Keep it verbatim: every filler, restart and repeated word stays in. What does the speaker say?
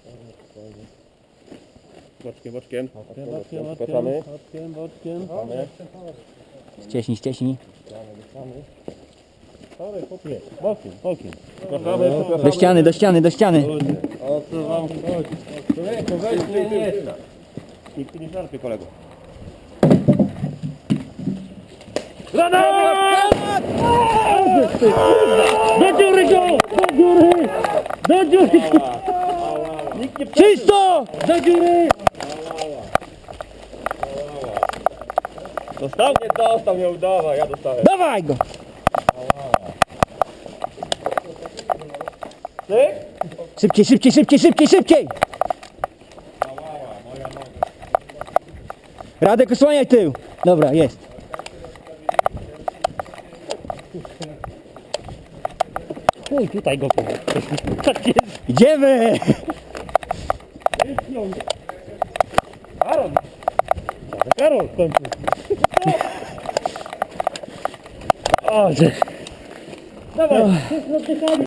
Boczkiem, boczkiem. Boczkiem, boczkiem, Zapraszamy. boczkiem, boczkiem. Zapraszamy. Ścieśnij, ścieśnij. Bokiem, bokiem. Zapraszamy. Do ściany, do ściany, do ściany. O co wam chodzi? Człowieku, weź mnie nie stać. Nikt tu nie żarpie, kolego. Do dziury go! Do dziury! Do dziury! Nikt nie Czysto! Do dziury! dostał? Nie dostał, nie udawa, ja dostałem. Dawaj go! Ty? Szybciej, szybciej, szybciej, szybciej, szybciej! Radek, osłaniaj tył. Dobra, jest. Chuj, tutaj go kurwa. Tak jest. Idziemy! Karol! Karol w końcu. O, że... Dawaj,